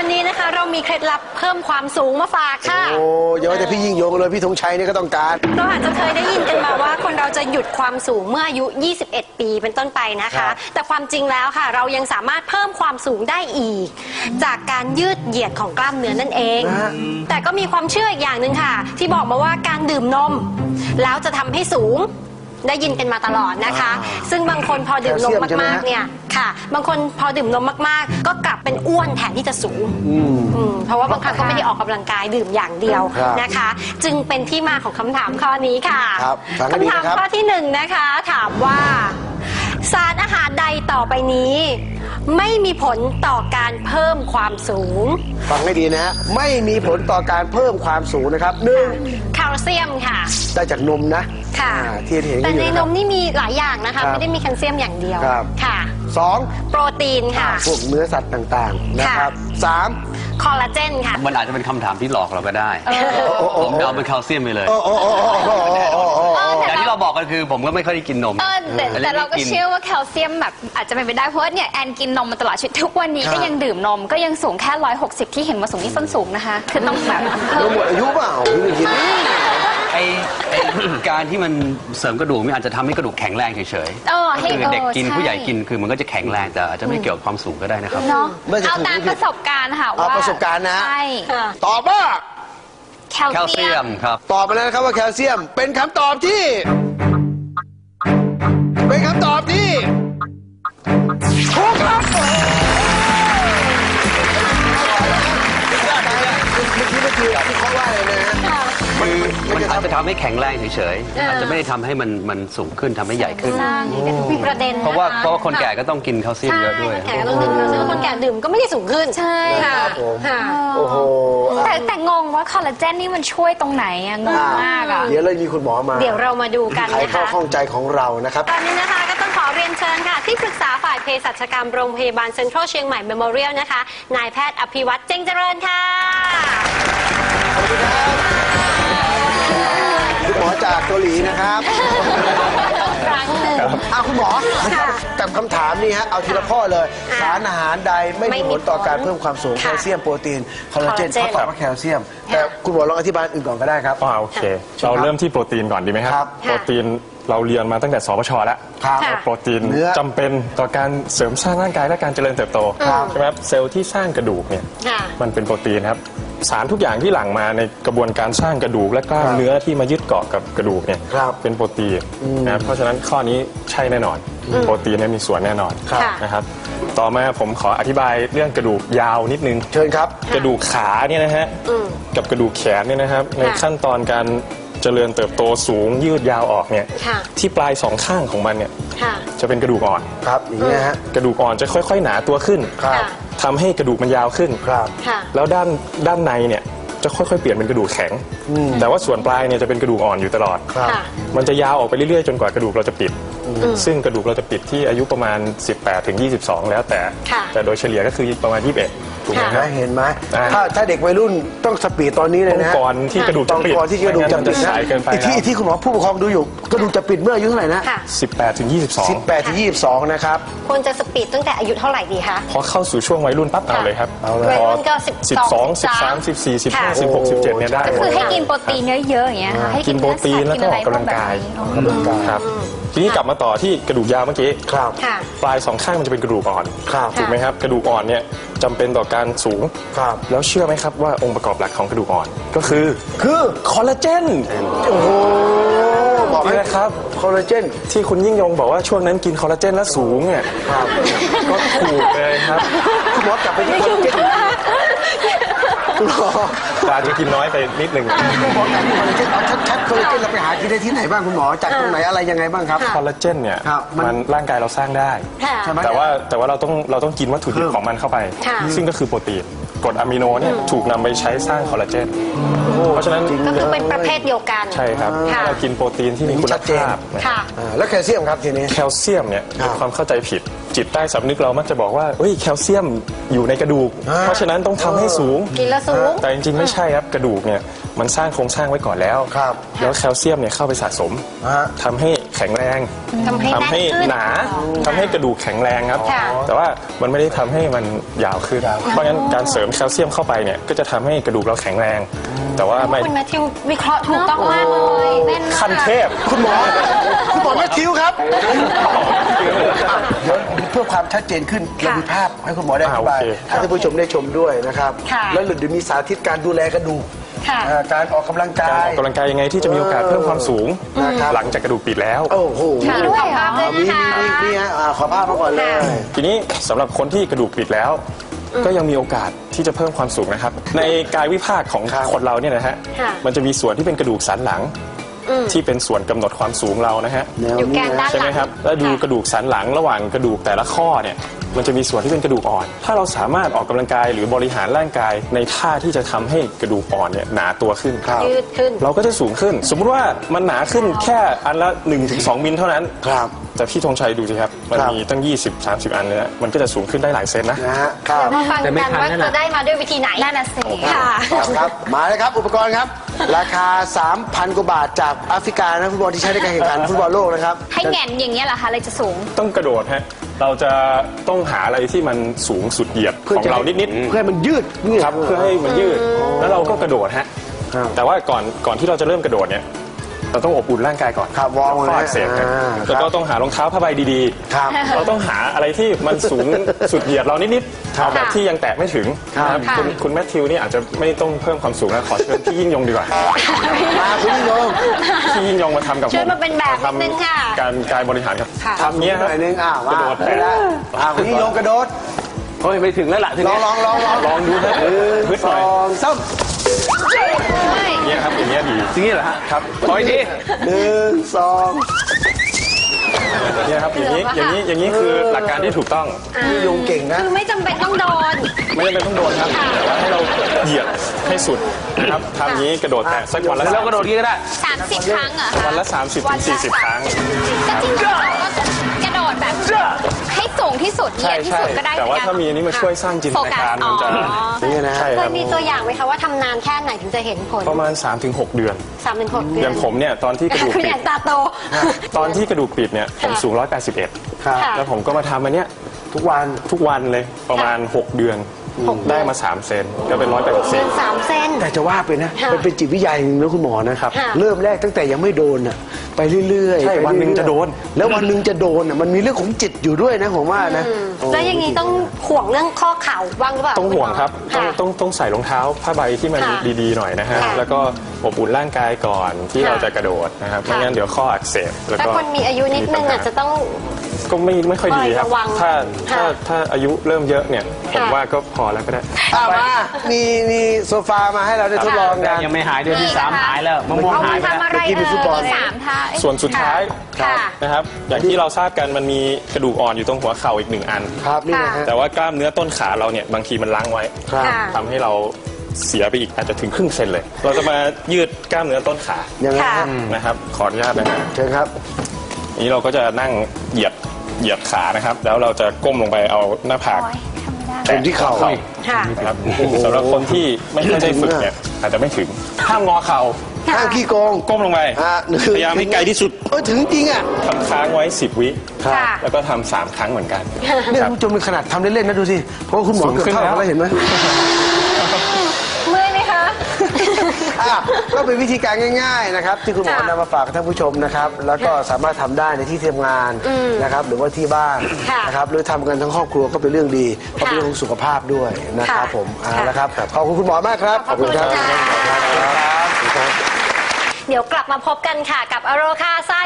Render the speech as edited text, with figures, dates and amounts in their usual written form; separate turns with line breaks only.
วันนี้นะคะเรามีเคล็ดลับเพิ่มความสูงมาฝากค่ะ
โอ้เยอะแต่พี่ยิ่งยงเลยพี่ธงชัยนี่ก็ต้องการ
เราอาจจะเคยได้ยินกันมาว่าคนเราจะหยุดความสูงเมื่ออายุ 21 ปีเป็นต้นไปนะคะแต่ความจริงแล้วค่ะเรายังสามารถเพิ่มความสูงได้อีกจากการยืดเหยียดของกล้ามเนื้อนั่นเองแต่ก็มีความเชื่ออีกอย่างหนึ่งค่ะที่บอกมาว่าการดื่มนมแล้วจะทำให้สูงได้ยินกันมาตลอดนะคะซึ่งบางคนพอดื่มนมมากๆเนี่ยค่ะบางคนพอดื่มนมมากๆก็กลับเป็นอ้วนแทนที่จะสูงเพราะว่าบางครั้งก็ไม่ได้ออกกำลังกายดื่มอย่างเดียวนะคะจึงเป็นที่มาของคำถามข้อนี้ค่ะคำถามข้อที่1นะคะถามว่าสารอาหารใดต่อไปนี้ไม่มีผลต่อการเพิ่มความสูง
ฟังให้ดีนะฮะไม่มีผลต่อการเพิ่มความสูงนะครับ
1แคลเซียมค่ะ
ได้จากนมนะ
ค่ะ
ที่เห็น
แต่ในนมนี่มีหลายอย่างนะคะไม่ได้มีแคลเซียมอย่างเดียวค่ะ
2
โปรตีนค่ะ
พวกเนื้อสัตว์ต่างๆนะครับ3
คอลลาเจนค่ะ
มันอาจจะเป็นคำถามที่หลอกเราก็ได้ผมเอาเป็นแคลเซียมไปเลยอย่างที่เราบอกกันคือผมก็ไม่ค่อยได้กินนม
แต่เราก็เชื่อว่าแคลเซียมแบบอาจจะเป็นไปได้เพราะเนี่ยแอนกินนมมาตลอดชีวิตทุกวันนี้ก็ยังดื่มนมก็ยังสูงแค่160ที่เห็นมาสูงนี่ส้นสูงนะคะคือต้องแบบ
หมดอายุเปล่าพี่ไม่กิน
การที่มันเสริมกระดูกมันอาจจะทำให้กระดูกแข็งแรงเฉยๆคือเด็กกินผู้ใหญ่กินคือมันก็จะแข็งแรงแต่อาจจะไม่เกี่ยวกับความสูงก็ได้นะครับ
เอาตามประสบการณ์ค่ะว่า
ประสบการณ์นะ
ใช่
ตอบว่า
แคลเซียมครับ
ตอบไปแล้วนะครับว่าแคลเซียมเป็นคำตอบที่ถูกครับไม่คือที่เขาว่าเลยนะ
คือมันอาจจะทำให้แข็งแรงเฉยๆอาจจะไม่ได้ทำให้มันสูงขึ้นทำให้ใหญ่ขึ้น
มีประเด็น
เพราะว่าคนแก่ก็ต้องกินแคลเซียมเยอะด้วย
คนแก่ก็ต้องดื่มแคลเซียมคนแก่ดื่มก็ไม่ได้สูงขึ้น
ใช่
ค่ะ
โอ้โห
แต่งงว่าคอลลาเจนนี่มันช่วยตรงไหนอะงงมากอะ
เดี๋ยวเลยมีคุณหมอมา
เดี๋ยวเรามาดูกันนะคะ
ไขข้อข้องใจของเรานะครับ
ตอนนี้นะคะก็ต้องขอเรียนเชิญค่ะที่ปรึกษาฝ่ายเภสัชกรรมโรงพยาบาลเซ็นทรัลเชียงใหม่เมโมเรียลนะคะนายแพทย์อภิวัตรเจงเจริญค่ะ
คุณหมอจากเกาหลีนะครับคุณหมอกับคำถามนี้ฮะเอาทีละข้อเลยสารอาหารใดไม่มีผลต่อการเพิ่มความสูงแคลเซียมโปรตีนคอลลาเจนเขาตอบว่าแคลเซียมแต่คุณหมอลองอธิบายอื่นก่อนก็ได้ครับ
โอเคเราเริ่มที่โปรตีนก่อนดีไหมครับโปรตีนเราเรียนมาตั้งแต่สปช.แล้วโปรตีนจำเป็นต่อการเสริมสร้างร่างกายและการเจริญเติบโตใช่ไหมครับเซลล์ที่สร้างกระดูกเนี่ยมันเป็นโปรตีนครับสารทุกอย่างที่หลั่งมาในกระบวนการสร้างกระดูกและกล้ามเนื้อที่มายึดเกาะกับกระดูกเนี่ยเป็นโปรตีนนะครับเพราะฉะนั้นข้อนี้ใช่แน่นอนโปรตีนมีส่วนแน่นอนนะครับต่อมาผมขออธิบายเรื่องกระดูกยาวนิดนึง
เชิญครับ
กระดูกขาเนี่ยนะฮะกับกระดูกแขนเนี่ยนะครับในขั้นตอนการเจริญเติบโตสูงยืดยาวออกเนี่ยที่ปลาย2ข้างของมันเนี่ยจะเป็นกระดูกอ่อน
ครับอย่างนี้ฮะ
กระดูกอ่อนจะค่อยๆหนาตัวขึ้นทำให้กระดูกมันยาวขึ้นแล้วด้านในเนี่ยจะค่อยๆเปลี่ยนเป็นกระดูกแข็งแต่ว่าส่วนปลายเนี่ยจะเป็นกระดูกอ่อนอยู่ตลอดมันจะยาวออกไปเรื่อยๆจนกว่ากระดูกเราจะปิดซึ่งกระดูกเราจะปิดที่อายุประมาณ18 ถึง 22แล้วแต่โดยเฉลี่ยก็คือประมาณ21ถูกไหม
เห็นไหมถ้าเด็กวัยรุ่นต้องสปีดตอนนี้เลยนะ
ก่อนที่กระดูกจะปิด
ก่อนที่กระดูกจะปิดสายเกินไปที่คุณหมอผู้ปกครองดูอยู่กระดูกจะปิดเมื่ออายุเท่าไหร่นะ
18 ถึง
18 ถึง 22นะครับ
ควรจะสปีดตั้งแต่อายุเท่าไหร่ดีคะ
พอเข้าสู่ช่วงวัยรุ่นปั๊บเอาเลยครับ
วัยรุ่นก็
12 13 14 15 16 17เนี่ยได้
ก็คือให้กินโปรตีนเยอะๆอย่างเงี้ยให้
กินโปรตีนแล้วก็ออกกำลังกายครับทีนี้กลับมาต่อที่กระดูกยาวเมื่อกี้ปลาย2ข้างมันจะเป็นกระดูกอ่อนถูกไหมครับกระดูกอ่อนเนี่ยจำเป็นต่อการสูงแล้วเชื่อไหมครับว่าองค์ประกอบหลักของกระดูกอ่อนก็คือคอลลาเจน
โอ้โห
บอกเลยครับ
คอลลาเจน
ที่คุณยิ่งยงบอกว่าช่วงนั้นกินคอลลาเจนแล้วสูงเนี่ยก็ถูกเลยครับ
คุณหมอกลับไปที่คอลลาเจนคุณหมอ
อาจจะกินน้อยไปนิดนึง
คุณหมอการที่คอลลาเจนเอาชัดๆคอลลาเจนเราไปหากินได้ที่ไหนบ้างคุณหมอจากตรงไหนอะไรยังไงบ้างครับ
คอลลาเจนเนี่ยมันร่างกายเราสร้างได้แต่ว่าเราต้องกินวัตถุดิบของมันเข้าไปซึ่งก็คือโปรตีนกรดอะมิโนเนี่ยถูกนำไปใช้สร้างคอลลาเจนเพราะฉะนั้น
ก็คือเป็นประเภทเดียวกัน
ใช่ครับเรากินโปรตีนที่มีคุณภาพ
แล้วแคลเซียมครับทีนี้
แคลเซียมเนี่ยเป็นความเข้าใจผิดจิตใต้สำนึกเรามักจะบอกว่าแคลเซียมอยู่ในกระดูกเพราะฉะนั้นต้องทำให้สูง
กินแล้วสูง
แต่จริงๆไม่ใช่ครับกระดูกเนี่ยมันสร้างโครงสร้างไว้ก่อนแล้วแล้วแคลเซียมเนี่ยเข้าไปสะสมทำให้แขข็งแรง
ทำให้
ทำให้
แน่นขึ้น
หนาทำให้กระดูกแข็งแรงครับ
ค่ะ
แต่ว่ามันไม่ได้ทำให้มันยาวขึ้น เพราะงั้นการเสริมแคลเซียมเข้าไปเนี่ยก็จะทำให้กระดูกเราแข็งแรง แต่ว่าไม่
คุณแมทธิววิเคราะห์ถูกต้องมากเลย
แม่นมาก
ขั้นเทพ
คุณหมอแมทธิวครับเดี๋ยวเพื่อความชัดเจนขึ้นเรามีภาพให้คุณหมอได้อธิบาย
โอเค
ให้ท่านผู้ชมได้ชมด้วยนะครับ
ค่ะ
แล้วเดี๋ยวมีสาธิตการดูแลกระดูก
ค่ะ
การออกกำลังกา
การ
ย
ออกกำลังกายยังไงที่จะมีโอกาสเพิ่มความสูง
นะครับ
หลังจากกระดูกปิดแล้ว
โอ้โห
มีด้วยเหรอ
มีฮะขอภาพมาก่อนเลย
ทีนี้สำหรับคนที่กระดูกปิดแล้ว ก็ยังมีโอกาสที่จะเพิ่มความสูงนะครับ ในกายวิภาคของ
ครับ
คนเราเนี่ยนะฮะ
ค่ะ
มันจะมีส่วนที่เป็นกระดูกสันหลัง ที่เป็นส่วนกำหนดความสูงเรานะฮะ
แนว
อยู่แก
นี้
น
นะ
ด้าน
ใช่
ห
ไหม
ลัง
ครับแล้วดูกระดูกสันหลังระหว่างกระดูกแต่ละข้อเนี่ยมันจะมีส่วนที่เป็นกระดูกอ่อน ถ้าเราสามารถออกกำลังกายหรือบริหารร่างกายในท่าที่จะทำให้กระดูกอ่อนเนี่ยหนาตัวขึ้น
ยืดขึ้น
เราก็จะสูงขึ้น สมมุติว่ามันหนาขึ้นแค่อันละ 1-2 มิลเท่านั้น
ครับ
แต่พี่ธงชัยดูสิครับ มันมีตั้ง 20-30 อันเลยนะมันก็จะสูงขึ้นได้หลายเซนนะ
นะฮะครับ
มาฟังกันว่าจะได้มาด้วยวิธีไหน
นั่นน่ะสิ
ค่ะ
ครับมาเลยครับอุปกรณ์ครับ ราคา 3,000 กว่าบาทจากแอฟริกานะฟุตบอลที่ใช้ในการแข่งขันฟุตบอลโลกนะครับ
ให้แหงนอย่างเงี้ยเหรอคะเลยจะสูง
ต้องกระโดดฮะเราจะต้องหาอะไรที่มันสูงสุดเหยียดของเรานิด
เพื่อให้มันยืด
ๆครับเพื่อให้มันยืดแล้วเราก็กระโดดฮะ
ครับ
แต่ว่าก่อนที่เราจะเริ่มกระโดดเนี่ยเราต้องอบอุ่นร่างกายก่อน
ครับวอร์ม
ข้ออักเสบครับ
ครับ
แล้วก็ต้องหารองเท้าผ้าใบดี
ครับ
ๆ เราต้องหาอะไรที่มันสูง สุดเหยียดเรานิดๆเอาแบบที่ยังแตะไม่ถึง
ครับ
นะครับคุณแมทธิวนี่อาจจะไม่ต้องเพิ่มความสูงนะขอเชิญพี่ยิ่งยงดีกว่า
มาคุณยิ่งยง
พี่ยิ่งยงมาทำกับผม
เชิญมาเป็นแบบนิดนึงค่ะ
การกายบริหารครับ
ค่ะ
ทำเนี้ย
ห
ครั
น่
บ
อยนึงมาก
ระโดด
ไปแล้วคุณยิ่งยงกระโดด
เฮ้ยไม่ถึงแล้วล่ะถึง
ลอง
แล้ว
ลอง
ลองดูนะพึด
ส
หน่
อ
อย
งสาม
เนี่ยครับอย่างเงี้ยดี
อย่างนี้เหรอฮะ
ครับ
ขออีกที
1 2
เนี่ยครับอย่างนี้คือหลักการที่ถูกต้อง
ยิ่งยงเก่งนะ
คือไม่จำเป็นต้องโดน
ไม่จำเป็นต้องโดนครับแต่ว่าให้เราเหยียดให้สุดนะครับทำอย่างนี้กระโดดแตะสักวันละ
แล้วกระโดดนี้ก็ได้
30 ครั้งเหรอคะ
วันละ 30-40 ครั้ง
ก็จริงๆเราก็กระโดดแบบให้สูงที่สุดเหยียดที่สุดก็ได้
แต่ว่าถ้ามีอันนี้มาช่วยสร้างจินตนาการมันจะ
นี่นะ
ใช่
เค
ครั
ย
บ
มีตัวอย่างไหมคะว่าทำนานแค่ไหนถึงจะเห็นผล
ประมาณ 3-6 เดือน
3-6 เดื
อ
อน
ย่างผมเนี่ยตอนที่กระดูก
คือ
ปิ
อ
ด
ย่างตาโต
ตอนที่กระดูกปิดเนี่ยผมสูง
ครับ
181 แล้วผมก็มาทำอันเนี้ย
ทุกวัน
ทุกวันเลยประมาณ 6 เดือน ได้มา 3 เซนก็เป็น
เดิน
184
3 เซน
แต่จะว่าไปนะ
ค่ะ
มันเป็นจิตวิทยาอย่างหนึงนะคุณหมอนะครับ
ค่ะ
เริ่มแรกตั้งแต่ยังไม่โดนอ่ะไปเรื่อยๆ
ใช่
ไป
วันหนึ่ง
เรื่อยๆ
จะโดน
แล้ววันหนึ่งจะโดนอ่ะมันมีเรื่องของจิตอยู่ด้วยนะผมว่านะ
แล้วอย่างนี้ต้องห่วงเรื่องข้อเข่าบ้างหรือเปล่า
ต้องห่วงครับ
ค่ะ
ต้องใส่รองเท้าผ้าใบที่มัน
ค่ะ
ดีๆหน่อยนะฮะ
ค่ะ
แล้วก็อบอุ่นร่างกายก่อนที่
ค่ะ
เราจะกระโดดนะครับไม่งั้นเดี๋ยวข้ออักเสบแล้ว
ถ้า
ก็
คนมีอายุนิดนึงอาจจะต้อง
ก็ไม่ค่อยดีครับ
ระวัง
ถ้าอายุเริ่มเยอะเนี่ยผม
ค่ะ
ว่าก็พอแล้วก็ได้
มามีโซฟามาให้เราได้ทดลองกัน
ยังไม่หายเดือนที่ 3 หายแล้วมะม่วง
เอา
หาย
มา
ไปแล้ว
ทำอะไร
เมื่อกี้มีฟุตบอล
สามท่า
ส่วนสุดท้าย
ค่ะ
นะครับอย่างที่เราทราบกันมันมีกระดูกอ่อนอยู่ตรงหัวเข่าอีก1 อัน
ครับนี่นะฮะ
แต่ว่ากล้ามเนื้อต้นขาเราเนี่ยบางทีมันล้างไว้
ครับ
ค่ะ
ทำให้เราเสียไปอีกอาจจะถึงครึ่งเซนเลย เราจะมายืดกล้ามเนื้อต้นขา
ยังไง
ค่ะ
ฮะ
นะครับขออนุญาตนะครับ
เชิญครับ
นี้เราก็จะนั่งเหยียดขานะครับ แล้วเราจะก้มลงไปเอาหน้าผาก
โอ๊ยทำไม่ได้
แตะ
ที่เข่า
ค่ะ
นะครับสำหรับคนที่ไม่ค่อยได้ฝึกเนี่ยอาจจะไม่ถึงห้ามงอเข่า
ข้างขี้โกง
ก้มลงไป
หนึ่ง
พยายามให้ไกลที่สุด
ถึงจริงอ่ะ
ทำค้างไว้10 วิ
ครับ
ค่ะ
แล้วก็ทำ3 ครั้งเหมือนกัน
เนี่ยคุณผู้ชมเป็นขนาดทำเล่นๆนะดูสิเพราะว่าคุณหมอ
สูง
เกือบ
ขึ้น
เท่ากัน
แล้ว
แล้วเห็นไหม
เมื่อยไหมคะ
ก็เป็นวิธีการง่ายๆนะครับที่คุณหมอนำมาฝากกับท่านผู้ชมนะครับแล้วก็สามารถทำได้ในที่ทำงานนะครับหรือว่าที่บ้าน
ค่ะ
นะครับหรือทำกันทั้งครอบครัวก็เป็นเรื่องดีเพราะเป็นเรื่องของสุขภาพด้วยนะครับ
ค่ะ
ผมเอา
ค่ะ
ละครับขอบคุณคุณหมอมากครับ
ขอบคุณค่ะ
ครับ
เดี๋ยวกลับมาพบกันค่ะกับอโรคาซ่า